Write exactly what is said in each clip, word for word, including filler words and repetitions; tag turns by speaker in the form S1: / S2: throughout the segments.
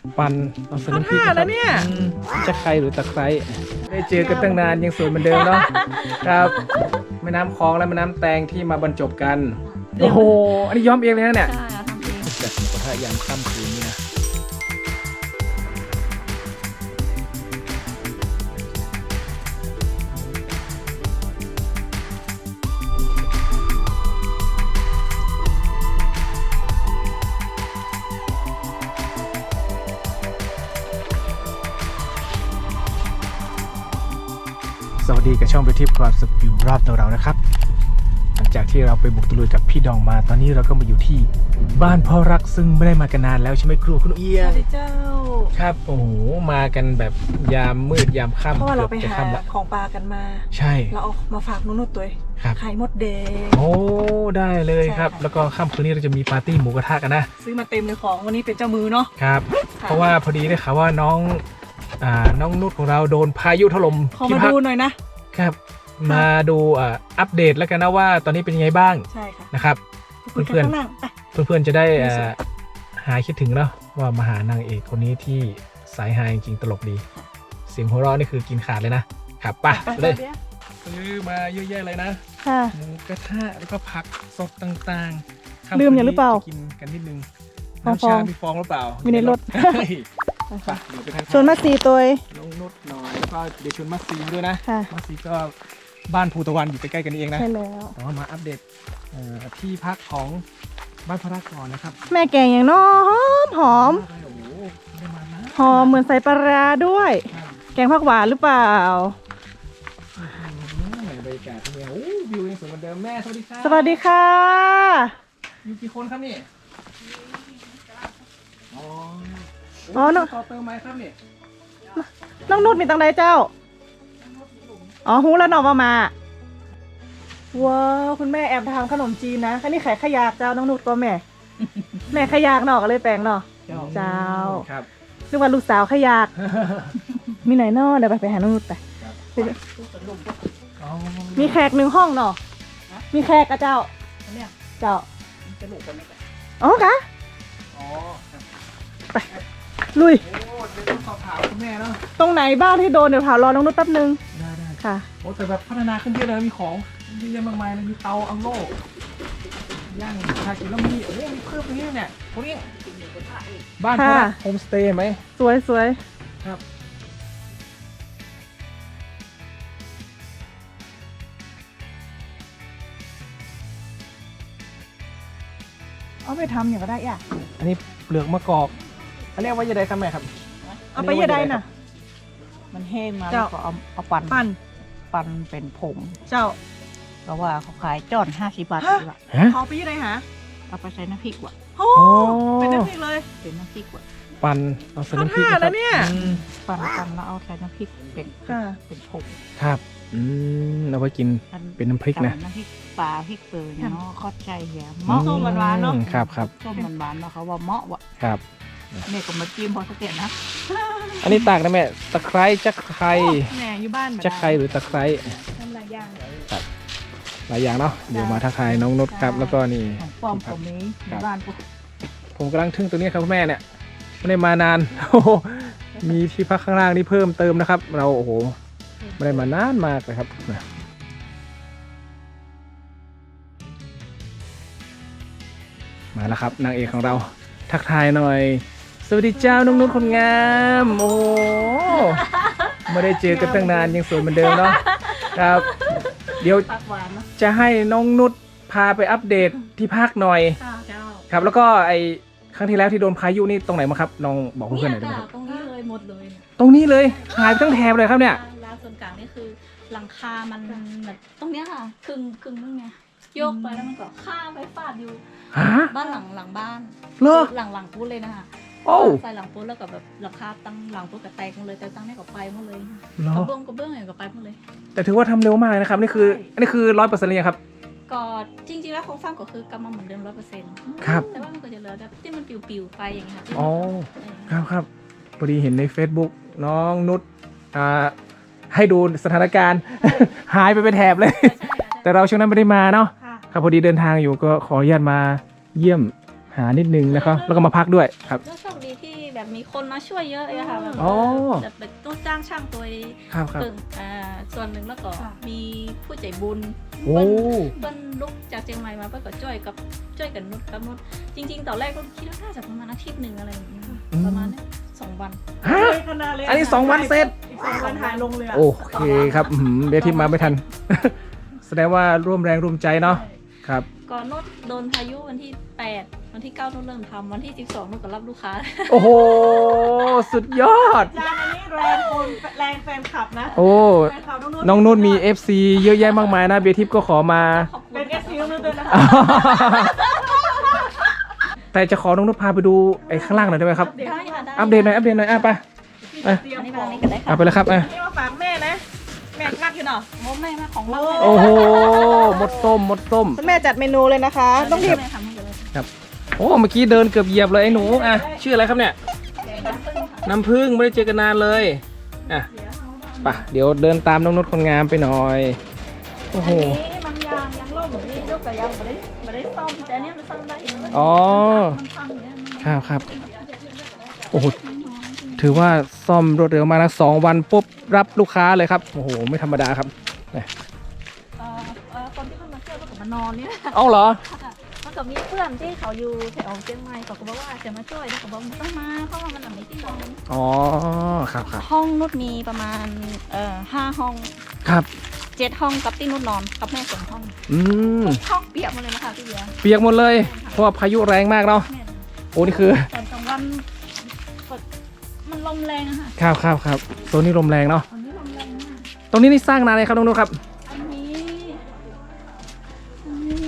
S1: ปั่นเอาใส่น้ำพริกแล้วเนี่ยจะใครหรือตะไคร้ได้เจอกันตั้งนานยังสวยเหมือนเดิมเนาะครับแม่น้ำคลองและแม่น้ำแตงที่มาบรรจบกันโอ้โหอันนี้ย้อมเองเลยนะเนี่ย
S2: ใช่ทำเอง
S1: จัดหมูกระทะยามค่ำคืนนี่นะสวัสดีกับช่องไปทิพย์ความสุขอยู่รอบตัวเรานะครับหลังจากที่เราไปบุกตะลุยกับพี่ดองมาตอนนี้เราก็มาอยู่ที่บ้านพ่อรักซึ่งไม่ได้มากันนานแล้วใช่ไหมครูคุณเอีย
S2: ส
S1: ง
S2: วัสดีเจ้า
S1: ครับโอ้โหมากันแบบยามมืดยามค่ำ
S2: เพราะว่าเราไป
S1: กือบจะ
S2: หา
S1: ค่ำละ
S2: ของปลากันมา
S1: ใช่
S2: เราเอามาฝากนุ่นๆตัวเอง
S1: ครับ
S2: ไข่มดแดง
S1: โอ้ได้เลยครับ
S2: ใช่ค่ะ
S1: แล้วก็ค่ำคืนนี้เราจะมีปาร์ตี้หมูกระทะกันนะ
S2: ซื้อมาเต็มเลยของวันนี้เป็นเจ้ามือเนาะ
S1: ครับ
S2: ค่ะ
S1: เพราะว่าพอดีได้ข่าวว่าน้องอ่าน้องนุชของเราโดนพายุถล่ม
S2: ขอ
S1: ที่
S2: มา
S1: พัก
S2: ดูหน่อยนะครับ
S1: มาดูอ่าอัปเดตแล้วกันนะว่าตอนนี้เป็นยังไงบ้าง
S2: ใช่ค่ะ
S1: นะครับ
S2: คุยกัน
S1: เพื่อนๆ
S2: ข้างล่างไป
S1: เพื่อนๆจะได้
S2: รู้สึก
S1: อ่าหายคิดถึงเนาะว่ามาหานางเอกคนนี้ที่สายฮาจริงๆตลกดี เสียงหัวเราะนี่คือกินขาดเลยนะครับไป่ะ
S2: ไป
S1: เลย
S2: เดี๋ยว
S1: ซื้อมาเยอะแยะเลยนะ
S2: ค่ะ
S1: หมูกระทะแล้วก็ผักสดต่างๆ
S2: ลืมอย่างหรือเปล่า
S1: จะกินกันนิดนึง
S2: ฟอง
S1: น้ำชา มีฟองหรือเปล่า
S2: มีในรถ
S1: เฮ้ยไปเดี๋ยวไปทานข้าว
S2: ชวนมาสีตัวเอง
S1: ลงนุดหน่อยแล้วก็เดี๋ยวชวนมัสซีด้วยนะ
S2: ค่ะ
S1: มัสซีก็บ้านภูตะวันอยู่ใกล้ๆกันนี่เองนะ
S2: ใช่แล้ว
S1: แต่ว่ามาอัปเดตเอ่อที่พักของบ้านพระรักก่อนนะครับ
S2: แม่แกงอย่างน้อหอมหอม
S1: โอ้โหได้มานะ
S2: หอมเหมือนใส่ปลาร้าด้วย
S1: ครับ
S2: แกงผักหวานหรือเปล่า
S1: อืมบรรยากาศที่นี่โอ้วิวยังสวยเหมือนเดิมแม่สวัสดีครับ
S2: สวัสดีค่ะ
S1: อยู่กี่คนครับนี่อ๋อ
S2: อ๋อน้อง
S1: ต่อเติมไหมครับนี่
S2: น้องนุชมีตังใดเจ้า อ๋อหูแล้วน้องมามา ว้าวคุณแม่แอบทำขนมจีนนะอันนี้ไข่ขยากเจ้าน้องนุชก็แม่ แม่ขยากเนาะก็เลยแปลงเนาะ เจ้า
S1: ครับ
S2: นึกว่าลูกสาวขยาก มีไหนเนาะเดี๋ยวไปไปหาน้องนุชไป
S1: ครับ
S2: ไปดู
S1: อ๋อ
S2: มีแขกหนึ่งห้องเนาะมีแขกกับเจ้าเจ้าอ๋อกะ
S1: อ๋อครับ
S2: ลุย
S1: โอ้เดี๋ยวต้องสอบถามคุณแม่เนาะ
S2: ตรงไหนบ้างที่โดนเดี๋ยวถามรอน้องนุชแป๊บนึง
S1: ได้ได้
S2: ค่ะ
S1: โอ้แต่แบบพัฒนาขึ้นเยอะเลยมีของเยอะแยะมากมายเลยมีเตาอังโล่ย่างชากินแล้วมีโอ้โหมีเพิ่มตรงนี้เนี่ยตรงนี้บ้านพระ
S2: ค่ะ
S1: โฮมสเตย์ไหม
S2: สวยสวย
S1: ครับ
S2: เอาไปทำอย่างก็ได้อ่ะ
S1: อันนี้เปลือกมะกอกอันนี้เอาไว้ยังไงครับแม่ครับ
S2: เอาไปยังไงน่ะ
S3: มันแห้งมา
S2: เจ้า
S3: แล้วก็เอาเอาปั่น
S2: ปั่น
S3: ปั่นเป็นผง
S2: เจ้า
S3: เพราะว่าเขาขายจ้อนห้าสิบบาท
S2: ฮะ
S3: ละ
S1: ฮะ
S2: ขอไปยังไงหา
S3: เอาไปใส่น้ำพริกว่ะ
S2: โอ้
S1: โอ้
S2: เป็นน้ำพริกเลย
S3: เป็นน้ำพริกว่ะ
S1: ปั่นเอาใส่น้ำพริก
S2: เอาท่า
S1: นะค
S2: แล้
S1: รับ
S2: วเนี่ย
S1: อืม
S3: ปั่นปั่นแล้วเอาใส่น้ำพริกเป็น
S2: ค่ะ
S3: เป็นผง
S1: ครับอืมเอาไว้กิน
S3: อั
S1: เป็นน้ำพริกนะ
S3: ตำน้ำพริกปลาพริกเปลือยเนาะเข้าใจเหีย
S2: อื
S3: เมาะ
S2: ส้มหวานๆเนอะ
S1: อืมครับครับ
S3: ส้มหวานๆเนาะเขาว่าเมาะว่ะ
S1: ครับ
S3: เนี่ยก็มาจิ้มพอสักเก็ตนะ
S1: อันนี้ตากนะแม่ตะไคร้จักไคร้
S2: แหน่อยู่บ้าน
S1: จักไคร้หรือตะไคร้
S2: ทำหลายอย่าง
S1: หลายอย่างเนาะเดี๋ยวมาทักทายน้องนุชครับแล้วก็นี่
S3: ของปลอมผมนี้ในบ้านพวก
S1: ผมกำลังทึ่งตัวนี้ครับคุณแม่เนี่ยไม่ได้มานาน โอ้โหมีที่พักข้างล่างนี่เพิ่มเติมนะครับ เราโอ้โหไม่ได้มานานมากเลยครับนะมาแล้วครับนางเอกของเราทักทายหน่อย สวัสดีเจ้าน้องนุชคนงามโอ้โหไม่ได้เจอกันตั้งนานยังสวยเหมือนเดิมเนาะครับ เดี๋ยว
S3: ปักหวานเนาะ
S1: จะให้น้องนุชพาไปอัปเดตที่พักหน่อย
S3: เจ้า
S1: ครับแล้วก็ไอครั้งที่แล้วที่โดนพายุนี่ตรงไหนมาครับลองบอกเพื่อนๆหน่อยได้ไหมครับ
S4: ตรงนี้เลยหมดเลย
S1: ตรงนี้เลยหายไปทั้งแถบเลยครับเนี่ย
S4: ร้านส่วนกลางนี่คือหลังคามันแบบตรงเนี้ยค่ะครึ่งครึ่งนึงไงโยกไปแล้วมันก็ข้ามไปฟาดอยู่
S1: ฮะ
S4: บ้านหลังหลังบ้าน
S1: เหรอ
S4: หลังหลังปุ๊บเลยนะคะ
S1: โอ้
S4: ใส่หลังปุ๊บแล้วก็แบบหลังคาตั้งหลังปุ๊บกับแตกหมดเลยแต่ตั้งนี่ก็ไปหมดเลย
S1: เหร
S4: ก
S1: อ
S4: ระเบื้องกระเบื้องอย่างก็ไปหมดเลย
S1: แต่ถือว่าทำเร็วมากนะครับนี่คืออันนี้คือร้อยเปอร์เซ็นต์เลยงครับ
S4: ก็จริงๆแล้วโครงสร้างก็คือกลับมาเหมือนเดิมร้อยเปอร์เซ็นต์
S1: ครับ
S4: แต่ว่ามันก็จะเหลือแบบที่มันปิวๆไปอย่างเงี้ยค่ะที่
S1: อ๋อ
S4: เออ
S1: ครับครับพอดีเห็นใน Facebook น้องนุชอ่าให้ดูสถานการณ์ หายไปเป็นแถบเลย
S4: ใช่ค่ะใช่
S1: แต่เราช่วงนั้นไม่ได้มาเนาะ
S2: ค่ะ
S1: ครับพอดีเดินทางอยู่ก็ขออนุญาตมาเยี่ยมหานิดนึงนะครับแล้วก็มาพักด้วยครับ
S4: แล้วโชคดีที่แบบมีคนมาช่วยเยอะเลยค่ะแบบ
S1: อ๋อ
S4: จะเป็นต้องจ้างช่างตัวเอง
S1: ครับครับ
S4: ตึงอ่าส่วนหนึ่งแล้วก็มีผู้ใจบุญ
S1: โอ้
S4: เปิ้ลลุกจากเชียงใหม่มาเปิ้ลก็ช่วยกับช่วยกับนุชกับนุชจริง ๆตอนแรกก็คิดว่าน่าจะประมาณอาทิตย์หนึ่งอะไรอย่างเงี้ยประมาณนี้สองวัน
S1: ฮะ
S2: ขนาดเลย
S1: อันนี้สองวันเสร็จ
S2: อีกสองวันหายลงเลยอะ
S1: โอเคครับอื้อหือเดี๋ยวที่มาไม่ทัน แสดงว่าร่วมแรงร่วมใจเนาะครับ
S4: ก่อนนุชโดนพายุวันที่แปดวันที่เก้านุชเริ่มทำวันที่สิบสองนุชก็รับลูกค้า
S1: โอ้โห สุดยอด
S2: จานอันนี้แรงคนแรงแฟนคลับนะ
S1: โอ้
S2: แฟนคลับน้องนุ่น
S1: น้องนุ่นมี เอฟ ซี เยอะแยะมากมายนะเบียร์ทิพย์ก็ขอมา
S4: ขอบคุณ
S2: เป็นเอฟซีน้องนุ่นด้วยนะคะ
S1: แต่จะขอน้องนุ่นพาไปดูไอ้ข้างล่างหน่อยได้ไหมครับ
S4: ได้ค่ะได้
S1: อัปเดตหน่อยอัปเดตหน่อยอ่ะไป
S2: เตรีย
S4: อั
S2: ม
S4: นนี้
S2: ข
S4: มา
S2: อง
S4: อันนี้ก็ได้ค่ะ
S1: เอาไปเลยครับอ่ะ
S2: นี่มาฝากแม่นะ แม่งักอยู่เนาะ
S4: โมแม่มาของเรา
S1: โอ้โหหมดต้มหมดต้ม
S2: คุณแม่จัดเมนูเลยนะคะ ต้องรีบ
S4: แม่ทำให้เลย
S1: โอ้เมื่อกี้เดินเกือบเหยียบเลยไอ้หนูอ่ะชื่ออะไรครับเนี่ย น้ำผึ้งไม่ได้เจอกันนานเลยอ่ะไปเดี๋ยวเดินตามน้องนุชคนงามไปหน่อยโอ้โห
S4: อันนี้มันยางยางล่มนี่ลูกแต่ยังไม่ได้ไม่ได้ซ่อมแต่อันนี้มันซ่อมได้เอง
S1: อ๋อ
S4: มันพังเนี่ยมัน
S1: ครับครับโอ้โหถือว่าซ่อมรวดเร็วมากนะสองวันปุ๊บรับลูกค้าเลยครับโอ้โหไม่ธรรมดาครับ
S4: เอ่อเอ่อคนที่เข้ามาเที่ยวก็มานอนเนี่ย
S1: เอาเหรอ
S4: มันก็มีเพื่อนที่เขาอยู่แถวเชียงใหม่เขาก็บอกว่าจะมาช่วยเขาบอกไม่ต้องมาเพราะว่ามันหลังนี้ที่นอน
S1: อ๋อครับครับ
S4: ห้องนุชมีประมาณเอ่อห้าห้อง
S1: ครับ
S4: เจ็ดห้องกับที่นุชนอนกับแม่สองห้อง
S1: อืม
S4: ห้องเปียกหมดเลยนะคะพี่เบียร์
S1: เปียกหมดเลยเพราะว่าพายุแรงมากเนาะ
S4: แม่
S1: โอ้นี่คือ
S4: ตอนกลางวันก็มันลมแรงอะค่ะ
S1: ครับครับครับโซนนี้ลมแรงเนาะ
S4: ตอนนี้ลมแรงมาก
S1: ตรงนี้นี่สร้างนานเลยครับน้องนุชครับ
S4: อันนี้อันนี้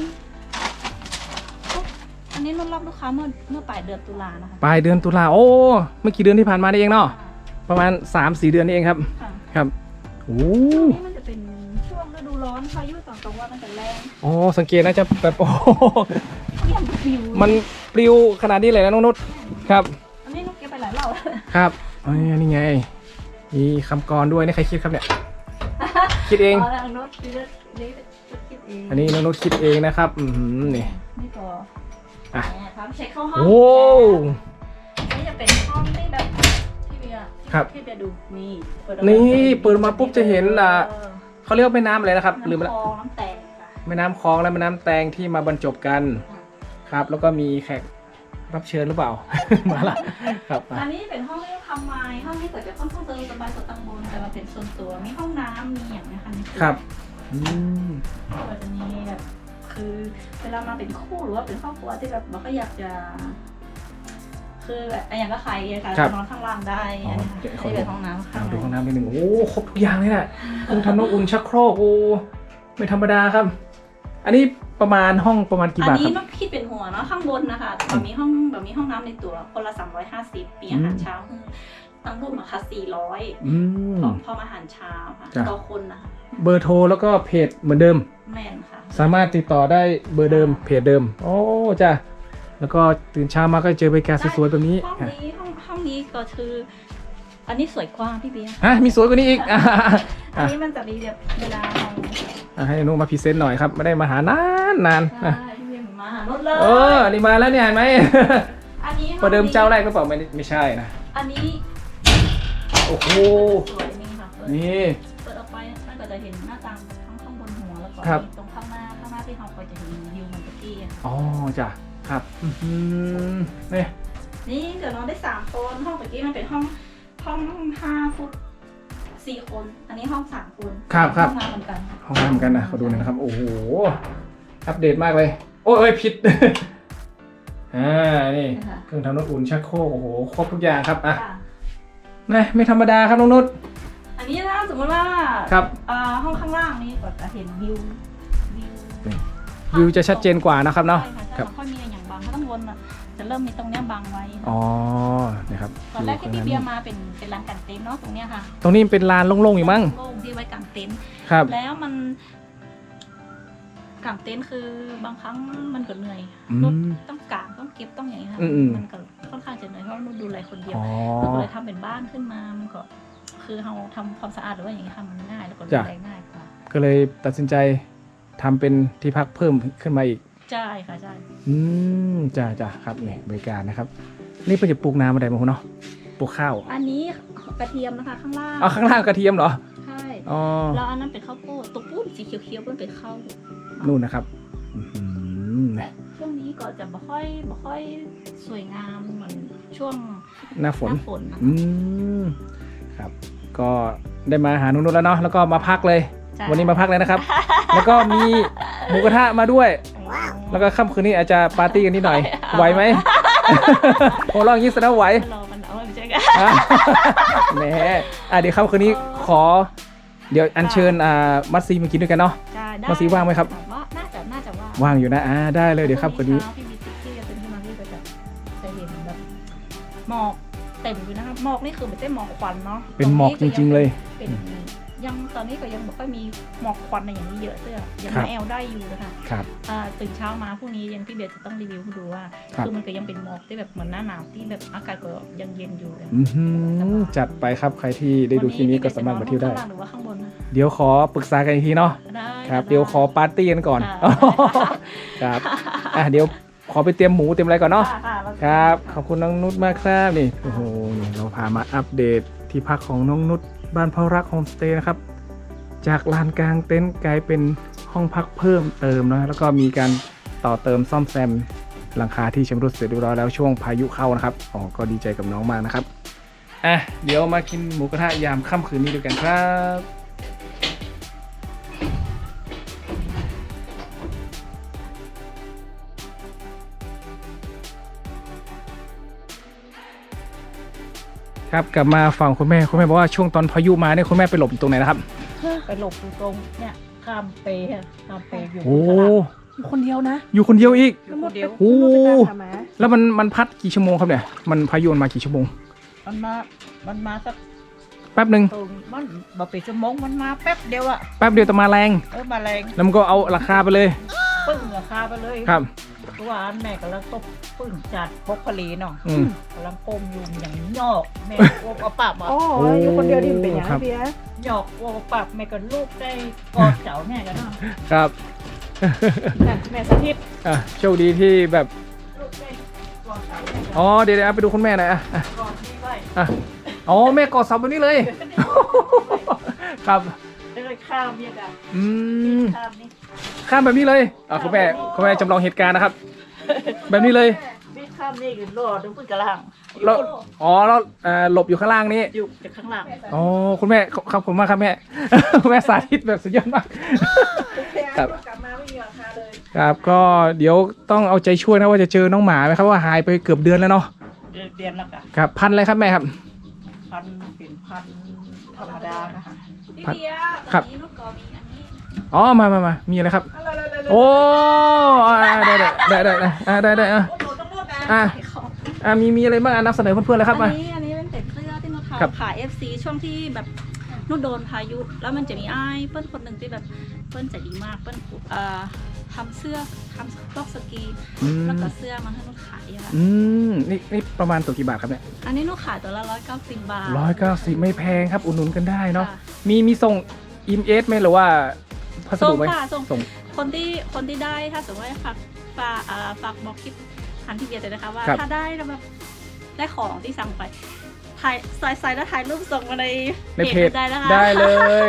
S4: อันนี้นุชรับลูกค้าเมื่อเมื่อปลายเดือนตุลานะคะ
S1: ปลายเดือนตุลาโอ้เมื่อกี่เดือนที่ผ่านมานี่เองเนาะประมาณ สามสี่ เดือนนี่เองครับ
S4: ค่ะ
S1: ครับโอ้
S4: ช่วงนี้มันจะเป็นช่วงฤดูร้อนพายุตอนกลางวันมันจะแรง
S1: โอ้สังเกตนะจะแบบโอ้โห
S4: เยี่ยมฟิว
S1: มันปลิวขนาดนี้เลยนะน้องนุชครับ
S4: อันนี้นุชเก็บไปหลายรอบแล้ว
S1: ครับอ๋อนี่ไงมีคำกรด้วยนี่ใครคิดครับเนี่ย คิดเอง
S4: อ๋อแล้วนุชคิดเองนี่คิดเอง
S1: อันนี้น้องนุชคิดเองนะครับอืมนี่
S4: นี่ก็
S1: อ่ะ
S4: เนี่ยครับเช็คเข้าห้อง
S1: โอ้
S4: นี่จะเป็นห้องที่แบบที่เบียร์
S1: ครับ
S4: ที่เบียร์ดูนี่เปิดออกมา
S1: นี่เปิดมาปุ๊บจะเห็นอ่ะ
S4: เออ
S1: เขาเรียกว่าแม่น้ำอะไรนะครับลืมไป
S4: น้ำ
S1: แล้ว
S4: คลองน้ำแตงค่ะ
S1: แม่น้ำคลองและแม่น้ำแตงที่มาบรรจบกันครับ แล้วก็มีแขกรับเชิญหรือเปล่า มาละครับ
S4: อันนี้เป็นห้องที่ทำไม้ห้องนี้ก็จะค่อนข้างเติมสบายสดตังบนแต่มาเป็นส่วนตัวมีห้องน้ำมีอย่างนี้ค่ะในตัว
S1: ครับอืม
S4: ก็จะมีแบบคือเวลามาเป็นคู่หรือว่าเป็นครอบครัวที่แบบเราก็อยากจะ คือแบบอย่างก็ใครอะค่ะจะนอนข้างล่างได้อันนี้ค่ะที่เป็นห้องน้ำข้าง
S1: เอา
S4: ใน
S1: ดูห้องน้ำนิดหนึ่งโอ้ครบทุกอย่างเลยนะเครื่องทำน้ำอุ่นชักโครกโอ้ไม่ธรรมดาครับ อันนี้ประมาณห้องประมาณกี่
S4: อัน
S1: บาทค
S4: นี้
S1: รับ
S4: ต้องคิดเป็นหัวเนาะข้างบนนะคะแบบมีห้องแบบมีห้องน้ำในตัวคนละสามร้อยห้าสิบมีอาหารเช้าคือตั้งรูปมาค่ะสี่ร้อย
S1: อืม
S4: พร้อมอาหารเช้าค่ะ
S1: จ้ะ
S4: ต่อคนนะคะ
S1: เบอร์โทรแล้วก็เพจเหมือนเดิม
S4: แม่นค่ะ
S1: สามารถติดต่อได้เบอร์เดิมเพจเดิม โอ้จ้ะแล้วก็ตื่นเช้ามาก็เจอบรรยากาศสวยๆแบบนี้
S4: ห้องนี้ห้องห้องนี้ก็คือ อันนี้สวยกว่าพี่เบียร์
S1: ฮะมีสวยกว่านี้อีก อ่ะ
S4: อันนี้มันจะมีแบบเวลาเรา
S1: อ่ะให้นุมาพรีเซนต์หน่อยครับไม่ได้มาหานานนาน
S4: ใช่
S1: อ่ะ
S4: พี่เบียร์มาหารถเลย
S1: เออนี่มาแล้วเนี่ยเห็นไหม
S4: อันนี้
S1: ประเดิมเจ้าแรกก็เปล่าไม่ได้ไม่ใช่นะ
S4: อันนี้
S1: โอ้โห
S4: สวยนี่ค่ะเปิด
S1: นี่
S4: เปิดออกไปมันก็จะเห็นหน้าต่างทั้งข้างบนหัวแล้วก็
S1: ครับ
S4: ตรงข้างหน้าข้างหน้าที่เราคอยจะเห็นวิวมันตะกี้อะ
S1: อ๋อจ้ะครับอื้อหือนี่
S4: นี่เดี๋ยวนอนได้สามคนห้องตะกี้มันเป็นห้องห้องห้าฟุตสี่คน อันนี้ห้องสามคน
S1: ครับครับ
S4: ห้องน้ำเหมือนกัน
S1: ห้องน้ำเหมือนกันนะขอดูหน่อยนะครับ โอ้โห อัปเดตมากเลย โอ้ยเอ้ยผิด อ่า นี่
S4: นะคะ
S1: เครื่องทำน้ำอุ่นชักโครกโอ้โห ครบทุกอย่างครับ อ่ะ
S4: ค่ะ
S1: ไม่ไม่ธรรมดาครับน้องนุช
S4: อันนี้ถ้าสมมติว่า
S1: ครับ
S4: อ่าห้องข้างล่างนี้ก็จะเห็นวิววิว
S1: วิวจะชัดเจนกว่านะครับเนาะ
S4: ใช่ค่ะ
S1: ครั
S4: ใช่
S1: บ
S4: ค่อยมีอย่างบางข้างบนอ่ะจะเริ่มมีตรงเนี้ยบังไว้
S1: อ๋อนี่ครับ
S4: ตอนแรกที่พี่เบียร์มาเป็นเป็นร้านกางเต็นท์เนาะตรงเนี้ยค่ะ
S1: ตรงนี้เป็นลานโล่งๆอยู่มั้ง
S4: โล่งที่ไว้กางเต็นท์
S1: ครับ
S4: แล้วมันกางเต็นท์คือบางครั้งมันก็เหนื่อย
S1: อืม
S4: รถต้องกางต้องเก็บต้องอย่างนี้ค่ะ
S1: อืมๆ
S4: มันก็ค่อนข้างจะเหนื่อยเพราะว่านุ่นดูแลคนเดียว
S1: อ๋อ
S4: เราก็เลยทำเป็นบ้านขึ้นมามันก็คือเราทำความสะอาดหรือว่าอย่างนี้ค่ะมันง่ายแล้วก็ดู
S1: จ้ะ
S4: แลง่ายกว่า
S1: ก็เลยตัดสินใจทำเป็นที่พักเพิ่มขึ้นมาอีก
S4: ใช่ค่ะใช่
S1: อืมจ้าจ้าครับนี่บริการนะครับนี่เป็นจะปลูกน้ำอะไรบ้างเนาะปลูกข้าว
S4: อันนี้กระเทียมนะคะข้างล่าง
S1: เอาข้างล่างกระเทียมเหรอ
S4: ใช่
S1: อ๋อ
S4: แล้วอันนั้นเป็นข้าวโพดตัวปุ้นสีเขียวๆมันเป็นข้าว
S1: นู่นนะครับอื้อหือ
S4: ช่วงนี้ก็จะบ่ค่อยบ่ค่อยสวยงามเหมือนช่วง
S1: หน้าฝน
S4: หน้าฝนนะ
S1: อืมครับ ก็ได้มาหานุ่นๆแล้วเนาะแล้วก็มาพักเลย
S4: ใช่
S1: วันนี้มาพักเลยนะครับ แล้วก็มีหมูกระทะมาด้วย แล้วก็ค่ำคืนนี้อาจจะปาร์ตี้กันนิดหน่อย ไหวไหม โอ้ลองอย่างนี้แสดงว่าไหว
S4: รอมันเอาไม่ใช่กัน
S1: อ่ะแหมอ่ะเดี๋ยวค่ำคืนนี้ขอ เดี๋ยวอัญเชิญอ่ามัตซีมากินด้วยกันเนาะ
S4: ใช่ได้
S1: มาสีว่างไหมครับ
S4: ว่าน่าจะน่าจะว่าง
S1: ว่างอยู่นะอ่าได้เลยเดี๋ยวค่ำคืนนี้
S4: เช้าพี่มีติ๊กที่จะเป็นที่มาที่ก็จะจะเห็นแบบหมอกเต็มอยู่นะครับหมอกนี่คือไม่ใช่หมอกควันเนาะ
S1: เป็นหมอกจริงๆเลย
S4: เป็นยังตอนนี้ก็ยังไม่ค่อยมีหมอกควันอะไรอย่างนี้เยอะเสื้อยัง
S1: ครับ
S4: มาแอลได้อยู่นะคะ
S1: ครับ
S4: อ่าตื่นเช้ามาพรุ่งนี้ยังพี่เบียร์จะต้องรีวิวให้ดูว่า
S1: ครับ
S4: คือมันก็ยังเป็นหมอกที่แบบเหมือนหน้าหนาวที่แบบอากาศก็ยังเย็นอยู่เลย
S1: อือหือจัดไปครับใครที่ได้ดูคลิปนี้ก็สามารถมาเที่ยวได้
S4: ข้างล่างหรือว่าข้างบนนะ
S1: เดี๋ยวขอปรึกษากันอีกทีเนาะ
S4: ได้
S1: ครับ
S4: ไ
S1: เดี๋ยวขอปาร์ตี้กันก่อน
S4: ค่ะ
S1: ครับอ่ะเดี๋ยวขอไปเตรียมหมูเตรียมอะไรก่อนเนาะ
S4: ค่ะค่ะแล้ว
S1: ครับขอบคุณน้องนุชมากครับนี่โอ้โหนี่เราพามาอัปเดตที่พักของน้องนุชบ้านพ่อรักโฮมสเตย์นะครับจากลานกลางเต็นท์กลายเป็นห้องพักเพิ่มเติมนะแล้วก็มีการต่อเติมซ่อมแซมหลังคาที่ชำรุดเสร็จเรียบร้อยแล้วช่วงพายุเข้านะครับอ๋อก็ดีใจกับน้องมากนะครับอ่ะเดี๋ยวมากินหมูกระทะยามค่ำคืนนี้ด้วยกันครับครับกลับมาฝั่งคุณแม่คุณแม่บอกว่าช่วงตอนพายุมาเนี่ยคุณแม่ไปหลบอยู่ตรงไหนนะครับ
S3: ไปหลบอยู่ตรงเนี่ยข้ามเปย์อะข้ามเปย์อยู่
S1: โอ้
S3: ตลาด
S2: คนเดียวนะ
S1: อยู่คนเดียวอีก
S3: อยู่คนเดียว
S1: โอ้
S2: น้องนุชไปตามหาหมา
S1: แล้วมันมันพัดกี่ชั่วโมงครับเนี่ยมันพายุมันมากี่ชั่วโมง
S3: มันมา มันมาสัก
S1: แป๊บหนึ่ง
S3: ตรงมันบ่เป็นชั่วโมงมันมาแป๊บเดียวอะ
S1: แป๊บเดียวแต่มาแรง
S3: เออมาแรง
S1: แล้วมันก็เอาราคาไปเลย
S3: ปึ้งราคาไปเลย
S1: ครับ
S3: ตัวอันแม่กำลังตบปึ้งจัดพกผลีเนาะ
S1: อืม
S3: กำลังก้มอยู่อย่างยอกแม่โอ้เอาปากมา
S2: โอ้อยู่คนเดียวดิมันเป็นอย่าง
S1: ครั
S2: ไร
S1: บ
S2: เบียร์
S3: หยอกโอ้ปากแม่ก็ลูกได้กอดเสาแม่กันเนาะ
S1: ครับ
S2: น่ะแม่สาธิต
S1: อ่ะโชคดีที่แบบ
S3: ลูกได้กอดเสาแม่กัน
S1: อ๋อเดี๋ยวเดี๋ยวไปดูคุณแม่หน่อยอ่ะอ่ะ
S3: กอดนี่ไว้
S1: อ่ะอ๋อแม่กอดเสาแบบนี้เลย ครับ
S3: เลยข้ามเนี่ยกัน
S1: อืม
S3: ข้ามนี่
S1: ข้ามแบบนี้เลยอ่ะคุณแม่คุณแม่จำลองเหตุการณ์นะครับ แบบนี้เลย
S3: นี่ข้ามนี่คือรอดูพื้นกระลัง
S1: แล้วอ๋อแล้วเอ่อหลบอยู่ข้างล่างนี้
S3: อยู่จากข้างหลัง
S1: อ๋อคุณแม่ครับผมมากครับแม่ คุณแม่สาธิตแบบสุดยอดมาก ครับ
S2: กลับมาไม่มีราคาเลย
S1: ครับก็เดี๋ยวต้องเอาใจช่วยนะว่าจะเจอน้องหมาไหมครับว่าหายไปเกือบเดือนแล้วเนาะ
S3: เดือนละกัน
S1: ครับพันอะไรครับแม่ครับ
S3: พันเป็นพันธรรมดานะคะ
S4: พี่
S1: ครับ
S4: เบียร์
S1: ครับ
S4: วันนี้ลูกกอมีอันนี้
S1: อ๋อมามามามีอะไรครับ
S2: เอาเลยเลยเลย
S1: โอ้อ่าได้ได้ได้ได้ได้อ่าได้ได้อ่ะ
S2: โอ้โหต้องรูดนะ
S1: อ่ะ
S4: ขายของ
S1: อ่ามีมีอะไรบ้างอ่ะนำเสนอเพื่อนๆเลยครับ
S4: อั
S1: มาน
S4: นี้อันนี้เป็นเป็ดเสื้อที่นุช
S1: ครับ
S4: ทำขาย เอฟ ซี ช่วงที่แบบนุชโดนพายุแล้วมันจะมีไอ้ายเปิ้ลคนหนึ่งที่แบบเปิ้ลใจดีมากเปิ้ลเอ่อทำเสื้อทำบล็อกสกี
S1: อืม
S4: แล้วก็เสื้อมันให้นุชขายอะค่ะ
S1: อืมนี่นี่ประมาณตัวกี่บาทครับเนี่ย
S4: อันนี้นุชขายตัวละร้อยเก้าสิบบาท
S1: ร้อยเก้าสิบไม่แพงครับอุดหนุนกันได้เนาะ
S4: ค่ะ
S1: มีมีส่งอิมเอสไหมหรือว่าพัส
S4: ส่
S1: ดุ
S4: ง
S1: ไหม
S4: ค่ะส่ง
S1: ส่ง
S4: คนที่คนที่ได้ถ้าสมมติว่าฝากฝากอ่าฝากบอกคลิปทันที่เบียร์เลยนะคะว่า
S1: ครับ
S4: ถ้าได้แล้วแบบได้ของที่สั่งไปถ่ายใส่ใส่แล้วถ่ายรูปส่งมาใน
S1: ในเพจ
S4: ได้นะคะ
S1: ได้เลย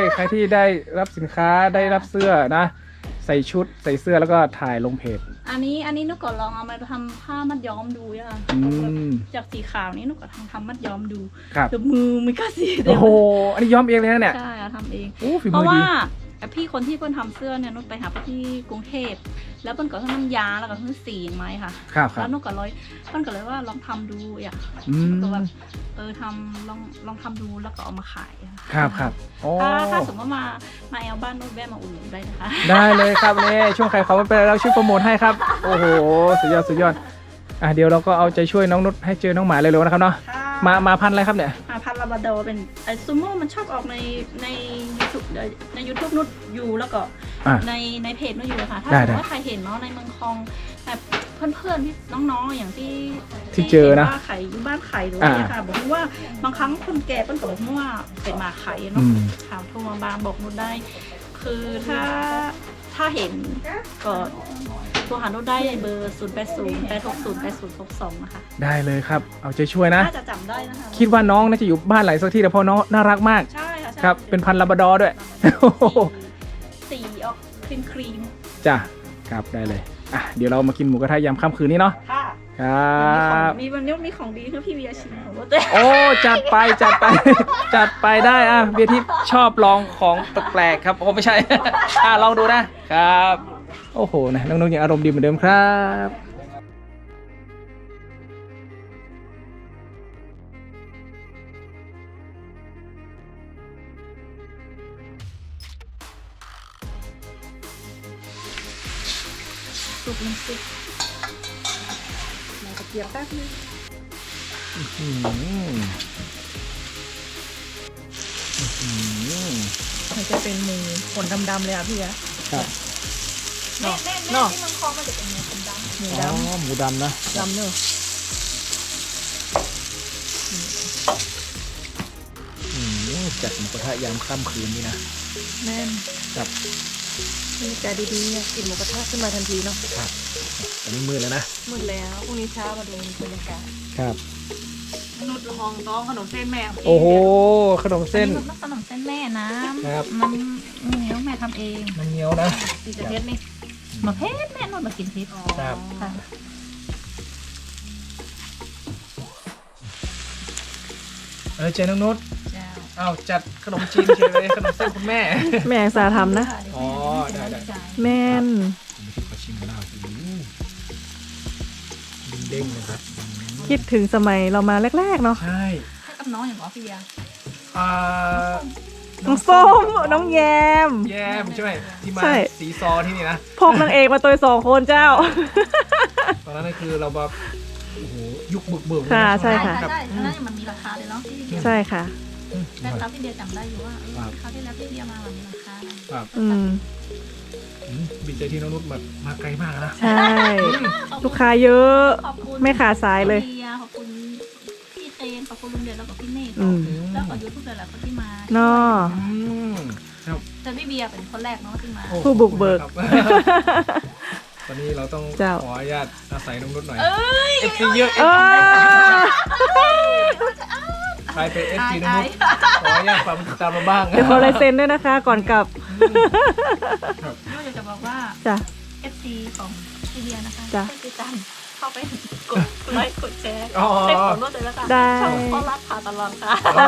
S1: ใครที่ได้รับสินค้าได้รับเสื้อนะ ใส่ชุดใส่เสื้อแล้วก็ถ่ายลงเพจ
S4: อันนี้อันนี้นุกก็ลองเอามาทำผ้ามัดย้อมดูอะค่ะ
S1: อืม
S4: จากสีขาวนี้นุกก็ทำทำมัดย้อมดู
S1: ครับ
S4: เดี๋ยวมือมันก็สีเดี
S1: โอ้
S4: ยว
S1: โหอันนี้ย้อมเองเลยนะเนี่ย
S4: ใช่อะทำเอง
S1: โอ้ฝี
S4: เพ
S1: มือ
S4: ราะว่า
S1: ดี
S4: พี่คนที่เพิ่นทำเสื้อเนี่ยนุกไปหาเพิ่นที่กรุงเทพแล้วเพิ่นก็ให้น้ำยาแล้วก็ให้สีไหมค่ะ
S1: ครับครั
S4: แล้
S1: บ
S4: วนุกก็เลยเพิ่นก็เลยว่าลองทำดูอยาก
S1: อืม
S4: ก็แบบเออทำลองลองทำดูแล้วก็เอามาขายอะ
S1: ครับครับโอ้
S4: ถ้าถ้าสมมติว่ามามาแอลบ้านนุกแวะมาอุ่นหนุนได้นะคะ
S1: ได้เลยครับนี่ช่วงใครเขาไม่เป็นไรเราช่วยโปรโมทให้ครับ โอ้โหสุดยอดสุดยอดอ่ะเดี๋ยวเราก็เอาใจช่วยน้องนุชให้เจอน้องหมาเร็วๆนะครับเนาะมามาพันอะไรครับเนี่ย
S4: อ่าพันลาบราดอร์เป็นไอซูโม่มันชอบออกในในยูทูบในยูทูบนุชอยู่แล้วก็
S1: อ่ะ
S4: ในในเพจนุชอยู่ค่ะถ้า
S1: ได้
S4: สมม
S1: ได้
S4: ติว่าใครเห็นเนาะในเมืองคลองแบบเพื่อนๆที่น้องๆอย่างที่
S1: ที่เจอนะ
S4: ห็ว่าไข่อยู่บ้านไข่หรือว่าเนี่ยค่ะบอกว่าบางครั้งคนแก่เปิ้ลก็บอกว่าเป็นหมาไข่
S1: อื
S4: เนาะ
S1: ม
S4: ถามโทรมาบางบอกนุชได้ คือถ้าถ้าเห็นก็โทรหานุชได้เบอร์ศูนย์แปดศูนย์แปดหกศูนย์แปดศูนย์หกสองนะคะ
S1: ได้เลยครับ เอาใจช่วยนะ
S4: น่าจะจำได้นะคะ
S1: คิดว่าน้องน่าจะอยู่บ้านไหนสักที่แต่เพราะน้องน่ารักมาก
S4: ใช่ค่ะใช่
S1: ครับ เป็นพันธุ์ลาบราดอร์ด้วย
S4: สีออกครีมครีม
S1: จ้ะครับได้เลยอ่ะเดี๋ยวเรามากินหมูกระทะยามค่ำคืนนี้เนาะ
S4: ค่ะ
S1: ครับ
S4: มีวันนี้มีของดีคือพี่เวียชิมของรถด้วย
S1: โอ้จัดไปจัดไป จัดไปได้อ่ะเบียร์ทิพย์ชอบลองของแปลกๆครับโอ้ไม่ใช่ อ่ะลองดูนะครับ โอ้โหนะน้องๆยังอารมณ์ดีเหมือนเดิมครับ
S4: สุกน้ำซุปเราจะเกี๊ยวแป๊บนึง
S1: อื้อหืออื้อหือ
S2: มันจะเป็นหมูขนดำๆเลยอ่ะพี่อะ
S1: ครับ
S4: แม่แม่แม่ที่เมืองคลองมันจะเป็นเนื้อดำ
S2: หมู
S1: อ๋อ
S2: ดำ
S1: หมูดำนะ
S2: ดำเนอะ
S1: อืมจัดหมูกระทะยามค่ำคืนนี่นะ
S2: แม่น
S1: ครับ
S2: มีใจดีๆเนี่ยกินหมูกระทะขึ้นมาทันทีเนาะ
S1: ครับตอนนี้มืดแล้วนะ
S2: มืดแล้วพรุ่งนี้เช้ามาดูบรรยากาศ
S1: ครับ
S2: นุชห้องต้องขนมเส้นแม่
S1: โอ้โหขนม
S4: ๆ
S1: เส้น
S4: อัขนมเส้นแม่นะครับ มันเหนียวแม่ทำเอง
S1: มันเหนียวนะ
S2: สีจะเท็ดนี่
S4: มาเพชรแม่นวดมากินเพชร
S1: ครับ
S4: ค่ะ
S1: เออเจน้องนุช
S4: เจ้า
S1: อ้าวจัดขนมจีนเฉยเลยขนมเส้นคุณแม่
S2: แม่สาทำนะ
S1: อ๋อได้ได้
S2: แม่น
S1: ผมไม่คิดว่าชิมกันแล้วเด้งๆนะครับ
S2: คิดถึงสมัยเรามาแรกๆเนาะ
S1: ใช่
S4: ให้กับน้องอย่างหรอพี่เบียร์
S1: อ่า
S2: น้องส้มน้องแยม
S1: แยมใช่ไหมที่มา
S2: ใช่
S1: สีซอที่นี่นะ
S2: พกนางเอกมาตัวสองคนเจ้า
S1: ตอนนั้นก็คือเราแบบโอ้โหยุคบึกเบิกเลยน
S2: ค่ะ
S1: ช่วง
S2: ใช่
S1: นั้น
S2: ค่ะ
S4: ใช่
S1: รับ
S4: ใช่อันนั้นมันมีราคาเลยเนาะที่
S2: ใช่ค่ะ
S1: อืม
S4: แต่ครับพี่เบียร์จำได้อยู่ว่าเออ
S1: ครับ
S4: คราวที่แล้วพี่เบียร์มามันมีราคานะ
S1: ครับ
S2: อืม
S1: อืมบินใจที่น้องนุชแบบมาไกลมากนะ
S2: ใช่ ลูกค้าเยอะ
S4: ขอบคุณ
S2: ไม่ขาดสายเลย
S4: พี่บีร์ขอบคุณพี่เคนขอบคุณลุงเดชแล้วก็พี่เนธ
S2: อืม
S4: แล้วก็ยูทูบเบอร์หลายคนที่มา
S2: เนาะ
S1: อืมครับ
S4: แต่พี่เบียร์เป็นคนแรกเนาะที่มา
S1: โอ้
S2: ผู้บุกเบิก
S1: ขอบคุณครับ ตอนนี้เราต้อง
S2: เจ้า
S1: ขออนุญาตอาศัยน้องนุชหน่อยเอฟซีเยอะ
S2: เออ
S1: ใครเป็นเอฟซีน้องนุชขออนุญาตฝากติดตามมาบ้าง
S2: เดี๋ยวขอลายเซ็นด้วยนะคะ ก่อนกลับ
S4: ก็อยากจะบอกว่า
S2: จ้ะ
S4: เอฟซีของพี่เบียร์นะคะ
S2: จ้ะ
S4: ให้ติดตามเข้าไปกดไลค์กดแชร์
S1: อ๋อ
S4: ให้ผมด้วยแล้วกัน
S2: ได้
S4: ช่องพ่อรักพาตลอดค่ะ
S2: โอ้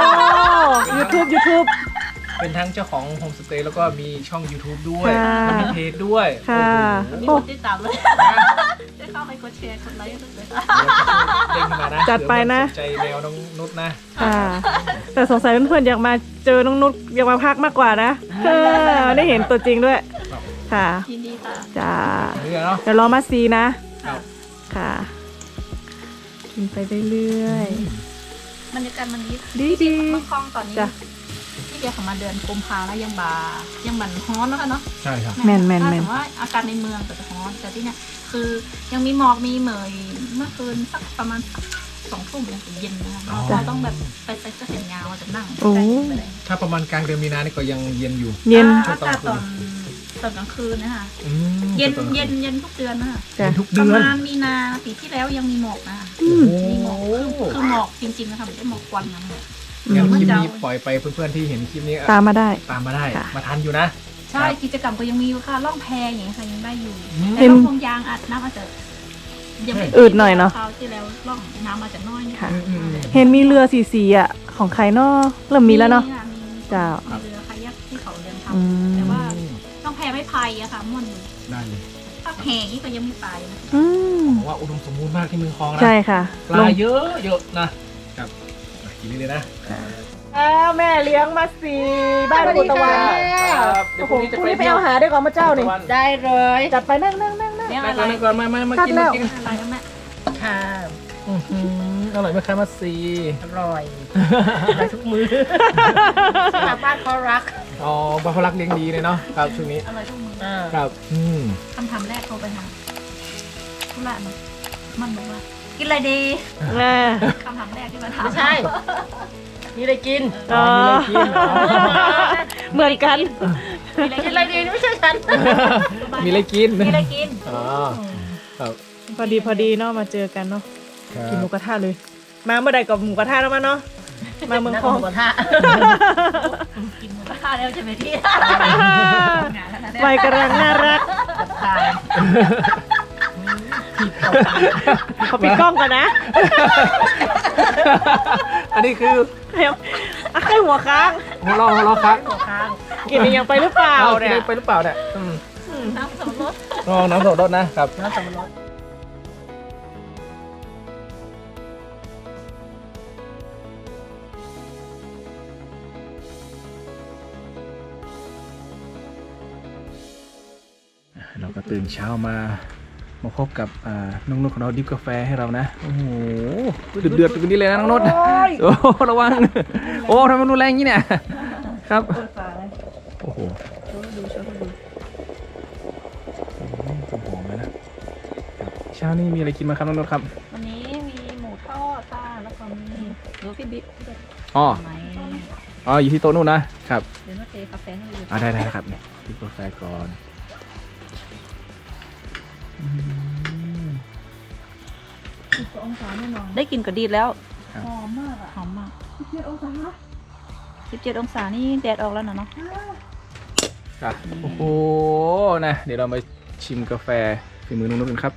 S2: YouTube YouTube
S1: เป็นทั้งเจ้าของโฮมสเตย์แล้วก็มีช่อง YouTube ด้วย
S2: ค่ะ
S1: มีเพจด้วย
S2: ค่ะ
S1: โอ้โห
S4: มีคนติดตามเลยได้เข้าไปกดแชร์กดไลค์ด้วยค่ะ
S1: เด้งขึ้นมานะ
S2: จัดไปนะ
S1: เผื่อใครสนใจแนวน้องนุชนะ
S2: ค่ะ แต่สงสัยเพื่อนๆอยากมาเจอน้องนุชอยากมาพักมากกว่านะเออได้เห็นตัวจริงด้วย
S1: ครับ
S2: ค่ะ
S4: ยินดีค่ะ
S2: จ้า
S1: นี่เนาะ
S2: เดี๋ยวรอมาซีนะ
S1: ครับ
S2: ค่ะ กินไปเรื่อย
S4: บรรยากาศมันดี
S2: ดีดี
S4: เมืองคลองตอนนี้
S2: จ้ะ
S4: พี่เบียร์เขามาเดือนกุมภาแล้วยังบายังบันฮ้อนแล้วกันเนาะ
S1: ใช่ครับ
S2: แม่นแม่นแม่น
S4: ถ้าสมมติว่าอากาศในเมืองก็จะฮ้อนแต่ที่เนี่ยคือยังมีหมอกมีเหมยเมื่อคืนสักประมาณสองทุ่มยังเย็นนะคะ
S1: อ๋อ
S4: เราต้องแบบไปใส่เสื้อแขนยาวจะนั่ง
S2: โอ้
S4: ใกล้ไปเลย
S1: ถ้าประมาณกลางเดือนมีนานี่ก็ยังเย็นอยู่
S2: ๆ เย็น
S4: อากาศตอนตอนกลางคืนนะคะ
S1: อืม
S4: เย็น
S1: ตอ
S4: เย็นเย็นทุกเดือนนะคะ
S1: เย็นทุก
S4: ป
S1: เดื
S4: ระ
S1: อน
S4: มาณมีนาปีที่แล้วยังมีหมอกนะคะ
S2: อืม
S1: โอ้
S4: มีหมอก
S1: โห
S4: คือคือหมอกจริงๆนะคะไม่ใช่หมอกควันนะหมอก
S1: งั้น
S2: อืม
S1: คลิปนี้ปล่อยไปเพื่อนๆที่เห็นคลิปนี้
S2: ตามมาได้
S1: ตามมาได้
S2: ค่ะ
S1: มาทันอยู่นะ
S4: ใช่กิจกรรมก็ยังมีอยู่ค่ะล่องแพอย่างเงี้ยค่ะยังได้อยู่
S1: อืม
S4: แต่ล่องพงยางอาจน้ำอาจจะยังไม่
S2: อืดหน่อยเนอะ
S4: คราวที่แล้วล่องน้ำอาจจะน้อยนิด
S2: ค่ะ
S1: อืมอืมอืม
S2: เห็นมีเรือสีสีๆอ่ะ ของใครเนาะเริ่มมีแล้วเนาะ
S4: ค่มี
S2: เจ้า
S4: มีเรือคายักที่เขาเดิน
S2: อืม
S4: ทำแต่ว่าต้องแพไม่พายอะค่ะม่วนอยู่
S1: ได้เลย
S4: ถ้าแพนี่ก็ยังไม่ไปนะ
S2: อืม
S1: บอกว่าอุดมสมบูรณ์มากที่เมืองคลองนะ
S2: ใช่ค่ะ
S1: ปลาเยอะเยอะนะครับอ่ะกินเลยนะ
S2: อ้าวแม่เลี้ยงมาสีบ้านกุตะวัน
S1: ครับเดี๋ยวพรุ่งนี้จะ
S2: พรุ่ง
S1: ไป
S2: นี้ไปเอาหาด้วยก่อนมาเจ้านี่
S3: ได้เลย
S2: จัดไปนั่งนั่งนั่งนั่ง
S4: เนี่ย
S1: นั่
S4: อะ
S1: ง
S4: ไร
S1: ก่อนนั่งก่อนมามามากิน
S2: คัดแล้
S1: มาว กิน
S4: อะไรนะแม่
S3: ค่ะ
S1: อื้อหืออร่อยไหมคะมาซี
S3: อร่อยได้ทุกมือชาวบ้านเขารัก
S1: อ๋อบาฟลักเลี้ยงดีเลยเนาะครับช่วงนี้
S4: อร่อยทุกมือ
S3: อ่า
S1: ครับอืม
S4: คำถามแรกโทรไปหาธุระมันมันบอกว่ากินอะไรดี
S2: แม่
S4: คำถามแรกที่มาถาม
S3: ไม่ใช่ มีอะไรกิน
S2: อ๋อ
S1: มีอะไรกินอ๋อ
S2: เหมือนกัน
S3: กินอะไรดีไม่ใช่ฉัน
S1: มีอะไรกิน
S3: มีอะไรกิน
S1: อ๋อครับ
S2: พอดีพอดีเนาะมาเจอกันเนาะ
S1: ครับ
S2: กินหมูกระทะเลย มาเมื่อใดกับหมูกระทะแล้วมาเนาะมาเมืองคลอง
S3: หมูกระทะ
S4: กินหมูกระทะแล้วใช่ไหมพี่
S2: ใบกระรังน่ารัก
S3: ตาย
S2: เขาปิดกล้องกันนะ
S1: อันนี้คือ
S2: เดี๋ยวอ่ะไข่หัวค้าง
S1: หัวเราะหัวเราะครับ
S3: หัวค้าง
S2: กินยังไปหรือเปล่า
S1: เอา
S2: เนี่ย
S1: ได้ไปหรือเปล่าเนี่ยอืม
S4: น้ำสมรส
S1: ลองน้ำสดรสนะครับ
S3: น้ำสับปะรด
S1: เราก็ตื่นเช้ามามาพบกับอ่าน้องนุชของเราดิฟกาแฟให้เรานะโอ้โหเดือดเดือดกันนี้เลยนะน้องนุชโอ้ระวังโอ้ทำไมมันรุนแรงอย่างนี้เนี่ยครับโอ้โหดูโชว์ดูหอมเลยนะเช้านี้มีอะไรกินมาครับน้องนุชครับ
S4: วันนี้มีหมูทอดค่ะแล้วก็มีดูพี่บิ๊ก
S1: อ๋อ
S4: ไหม
S1: อ๋ออยู่ที่โต๊ะนู่นนะครับ
S4: เดี๋ยวมาเทกาแฟให้ดู
S1: อ่าได้ได้ครับเนี่ยดิฟกาแฟก่อนอืม
S2: องศาแน่นอน
S4: ได้กลินก็ดีแล้ว
S1: ครับ
S2: หอมมากอ่ะ
S4: หอมมาก
S2: สิบเจ็ดองศา
S4: สิบเจ็ดองศานี่แดดออกแล้วนะเนาะ
S1: อ่ะโอ้โหนะเดี๋ยวเรามาชิมกาแฟฝีมือน้องนุชกันครับ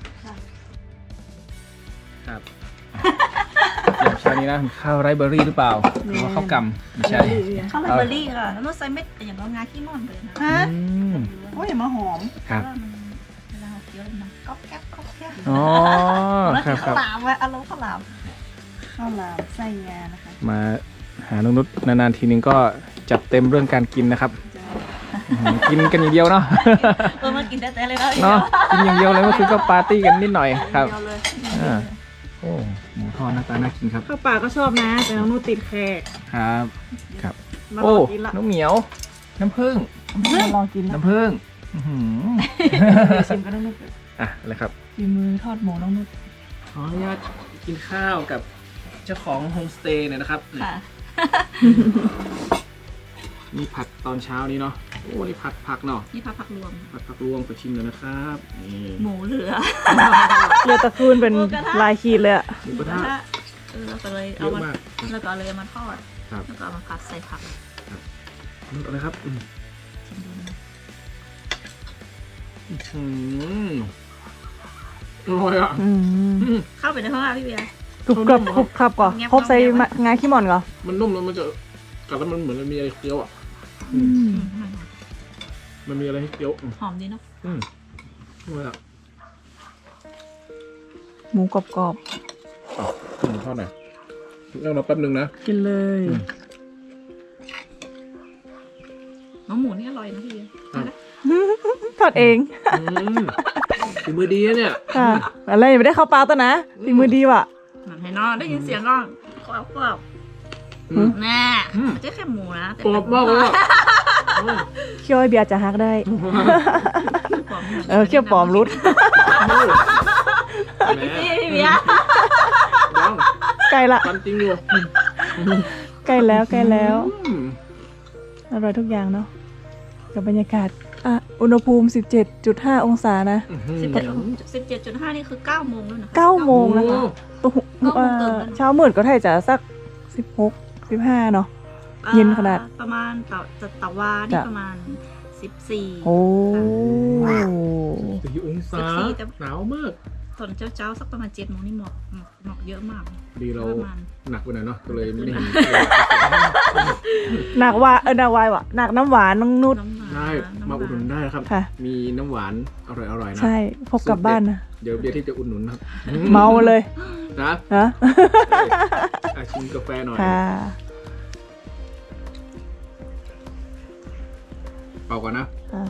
S1: ครับอย่างเช้านี้นะข้าวไรซ์เบอร์รี่หรือเปล่าหรือว่าข้าวกำไม่ใช่
S4: ข้าวไรซ์เบอร์รี่ค่ะแล้วนุชใส่เม็ดอย่างเรางาขี้ม่อนไปเลยนะ
S2: ฮะ
S1: อืม
S2: โอ้ยอย่ามาหอม
S1: ครับ
S4: เพาะว่ามันเวลาเราเคี้ยวมันก๊อบแก๊บก๊อบแก๊บ
S1: อ๋อ
S4: แล้ว
S1: ครับค
S4: ข้า
S1: รั
S4: ว
S1: บ
S4: หลามไว้อารมณ์ข้าวหลาม
S2: ข้าวหลามไส้งานะคะ
S1: มาหาน้องนุชนานๆทีนึงก็จัดเต็มเรื่องการกินนะครับอื้อหือกินกันอย่างเดียวเนาะ
S4: เออมากินแต่ๆเลยนะ
S1: เนาะกินอย่างเดียวเลยเมื่อคืนก็ปาร์ตี้กันนิดหน่อยครับ
S4: เดียวเลย
S1: อ่าโอ้หมูทอดหน้าตาน่ากินครับ
S2: ข้าวปลาก็ชอบนะ แต่น้องนุ่นติดแขก
S1: ครับครับ
S2: มาล
S1: โอ้
S2: องกินละ
S1: น้องเหมียว น้ำผึ้ง
S2: มาลองกินละ
S1: น้ำผึ้งอื้อหือ
S2: เดี๋ยวชิมกันน้องนุ่น
S1: อ่ะอะไรครับ
S2: ฝีมือทอดหมูน้องนุ่น
S1: ขออนุญาตกินข้าวกับเจ้าของโฮมสเตย์หน่อยนะครับ
S4: ค่ะ
S1: มีผัดตอนเช้านี้เนาะโอ้นี่ผัดผักเนาะ
S4: นี่ผักผักรวม
S1: ผัดผักรวมไปชิมเลยนะครับนี่
S4: หมูเหลือ
S2: เรือตะคูนเป็นลายขีดเลยอะ
S1: หมูกระทะ
S4: เออเราก็เลย
S1: เย
S4: เอา
S1: อะ
S4: มาม
S1: าก
S4: แล้วก็เอาเลยเอามาทอด
S1: ครับ
S4: แล้วก็เอามาผัดใส่ผัก
S1: นี่อะไรครับอืม
S4: ชิมดูนะ
S1: อื้อหืออร่อยอ่ะ
S2: อืม
S1: อืม
S4: เข้าไปในห้องอาพี่เบียร์
S2: กรุบกรับกรุบกรับก่อน
S4: เงียบๆ
S2: พบใส่มะงาขี้หม่อนก่อน
S1: มันนุ่มแล้วมันจะกัดแล้วมันเหมือนมันมีอะไรเคี้ยวอ่ะ
S2: อืม
S4: อืม
S1: มันมีอะไรให้เคี้ยวอืม
S4: หอมดีเนาะ
S1: อืมอร่อยอ่ะ
S2: หมูกรอบ
S1: อืมทอดหน่อยเล่าเราแป๊บนึงนะ
S2: ๆกินเลย
S1: อืม
S4: น้องหมูนี่อร่อยนะพี่เบียร์
S1: ครับ
S2: ทอดเอง
S1: อืมฝีมือดีนะเนี่ย
S2: ค่ะอะไรยังไม่ได้เข้าปลาตัวนะฝีมือดีว่ะ
S4: มันให้นอนได้ยินเสียงก็กรอบกรอบ
S1: อืม
S4: แน่
S1: อืม
S4: ไม่ใช่แค่หมูนะแต่
S1: กรอบมากเลยอ่ะอืม
S2: เคี่ยวให้เบียร์จะฮักได้
S4: กรอบหมืน
S2: เออเคี่ยวปลอมรุด
S1: แหม
S4: พี่พี่เบียร์
S1: ยัง
S2: ใกล้ละ
S1: ฟันจริงอยู่
S2: ใกล้แล้วใกล้แล้ว
S1: อืม
S2: อร่อยทุกอย่างเนาะกับบรรยากาศอ่ะอุณหภูมิ สิบเจ็ดจุดห้า องศานะ
S4: สิบเจ็ดสิบเจ็ดจุดห้านี่คือเก้าโมงแล้วนะ
S2: เก้าโมงนะคะ
S1: โอ้
S2: โอ้โห
S4: เก้าโมง
S2: เอ่
S4: เกิ
S2: อน
S4: แล้ว
S2: เช้ามืดก็ไทยจะสักสิบหก สิบห้าเนาะ เย็นขนาด
S4: อ่ประมาณตะตะตะวานี่
S2: จ้ะ
S4: ประมาณสิบสี่
S2: โอ้
S1: สี่องศา
S4: สิบสี่แต่
S1: หนาวมาก
S4: ตอนเช้าๆสักประมาณเจ็ดโมงนี่หมอกหมอกหมอกเยอะมาก
S1: พอดีเรา
S4: ประมาณ
S1: หนักไปหน่อยเนาะก็เลยไม่ได้เห็น
S2: หนักวาเออหนักวายว่ะหนักน้ำหวานน้องนุช
S4: น้ำหวาน
S1: ได้
S4: น้ำ
S1: มา
S4: หว
S1: อุดหนุนได้นะครับ
S2: ค่ะ
S1: มีน้ำหวานอร่อยๆนะ
S2: ใช่พกกลับบ้านนะ
S1: เดี๋ยวเบียร์ที่จะอุดหนุนนะครับ
S2: เมาเลย
S1: นะ
S2: นะ
S1: อ่ะชิมกาแฟหน่อย
S2: ค่ะ
S1: เป่าก่อนนะ
S2: อ่ะ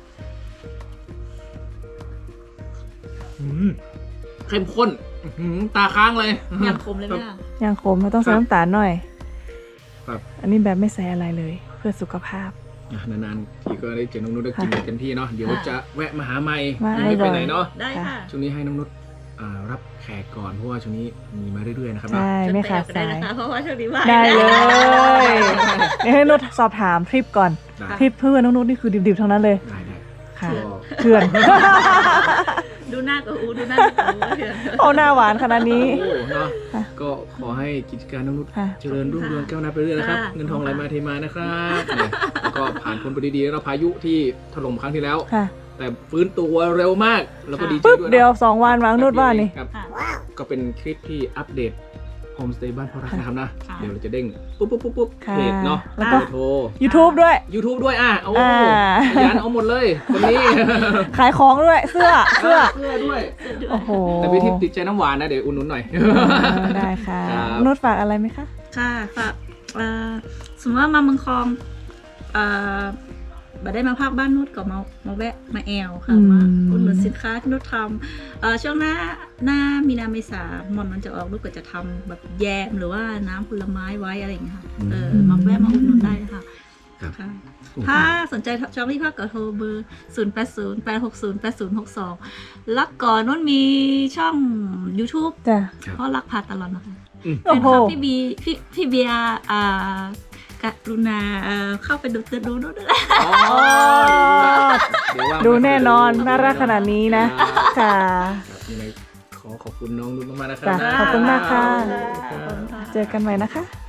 S1: อืมเข้มข้นอื้อหือตาค้างเลย
S4: ยำคมเลยไหมล่ะ
S2: ยังขมไม่ต้องใส่น้ำตาลหน่อย
S1: ครับ
S2: อันนี้แบบไม่ใส่อะไรเลย เพื่อสุขภาพ
S1: อ่ะนานๆทีก็ได้เจอน้องนุชได้กิน
S2: ค่ะ
S1: เต็มที่เนาะเดี๋ยวจะแวะมาหาใหม่
S2: มา
S1: ไม่ไปไหนเนาะ
S4: ได้ค่ะ
S1: ช่วงนี้ให้น้องนุชอ่ารับแขกก่อนเพราะว่าช่วงนี้มีมาเรื่อยๆนะครับ
S2: ใช่
S1: เนาะ
S2: ไม่ขาด
S4: ได้
S2: สาย
S4: นะคะเพราะว่าช่วงนี้ว่าง
S2: ได้เลยเดี๋ยวให้นุชสอบถามทริปก่อน
S1: ได้
S2: ทริปเพื่อนน้องนุชนี่คือดิบๆทั้งนั้นเลย
S1: ได้ได้
S2: ค่ะ
S1: ก็
S2: เถื่อน
S4: ดูหน้ากับอูดูหน้ากับอูเถอะ
S2: เอาหน้าหวานขนาดนี้
S1: โอ้เนาะ
S2: ค่ะ
S1: ก็ขอให้กิจการน้องนุช
S2: ค่ะ
S1: เจริญรุ่งเรืองก้าวหน้าไปเรื่อยนะครับ
S4: ค่ะ
S1: เงินทองไหลมาเทมานะครับเนี่ยแล้วก็ผ่านพ้นไปดีๆแล้วพายุที่ถล่มครั้งที่แล้ว
S2: ค่ะ
S1: แต่ฟื้นตัวเร็วมากแล้วก็ดีใจ
S2: ปึ๊บ
S1: ด้วยนะ
S2: เดียวสองวันวางนุชว่านี่
S1: ครับ
S4: ค่ะ
S1: ก็เป็นคลิปที่อัปเดตโฮมสเตย์บ้านพ่อรักนะครับนะ
S4: ค่ะ
S1: เดี๋ยวเราจะเด้งปุ๊บปุ๊บปุ๊บปุ๊บ
S2: ค่ะ
S1: เพจเนาะ
S2: แล้วก็
S1: เบอร์โทร
S2: YouTube ด้วย
S1: YouTube ด้วยอ่ะโอ้
S2: อ่า
S1: ขยันเอาหมดเลยคนนี้
S2: ขายของด้วยเสื้อเสื้อ
S1: เสื้อด้วย
S2: โอ้โห
S1: แต่พี่ทิพย์ติดใจน้ำหวานนะเดี๋ยวอุ่นนุนหน่อย
S2: เออได้ค่ะ
S1: ครับ
S2: นุชฝากอะไรไหมคะ
S4: ค่ะฝากเอ่อสมมติว่ามาเมืองคลองเอ่อบัได้มาภาคบ้านนุชก็มามาแวะมาแอลค่ะ
S2: อืม
S4: มาอุดหนุนสินค้าที่นุชทำเอ่อช่วงหน้าหน้ามีนาเมษามอนมันจะออกนุชก็จะทำแบบแยมหรือว่าน้ำผลไม้ไว้อะไรอย่างเงี้ยค่ะเออมาแวะมาอุดหนุนได้นะคะ
S1: ครับ
S4: ค่ะถ้าสนใจจองที่พักก็โทรเบอร์ ศูนย์ แปด ศูนย์ แปด หก ศูนย์ แปด ศูนย์ หก สอง แล้วก่อนนู้นมีช่อง YouTube
S2: จ้ะ
S1: ครับ
S4: เพราะรักพาตลอดนะคะ
S1: อืม
S2: โอ้
S4: เป็น
S2: โห
S4: ครับพี่บีพี่พี่เบียร์อ่ากรุณาเอ่อเข้าไปดูจะดูนู้นด้วย
S1: อ๋อเดี๋ยวว่าง
S2: ดูแน่นอน
S1: ไป
S2: น่ารักขนาดนี้นะ ค่ะ
S1: ครับยังไงขอขอบคุณน้องนุ่นมากๆนะครั
S2: จ้ะ
S1: บ
S2: ขอบคุณมากค่ะ
S4: ขอบคุณค่ะ
S2: เจอกันใหม่นะคะ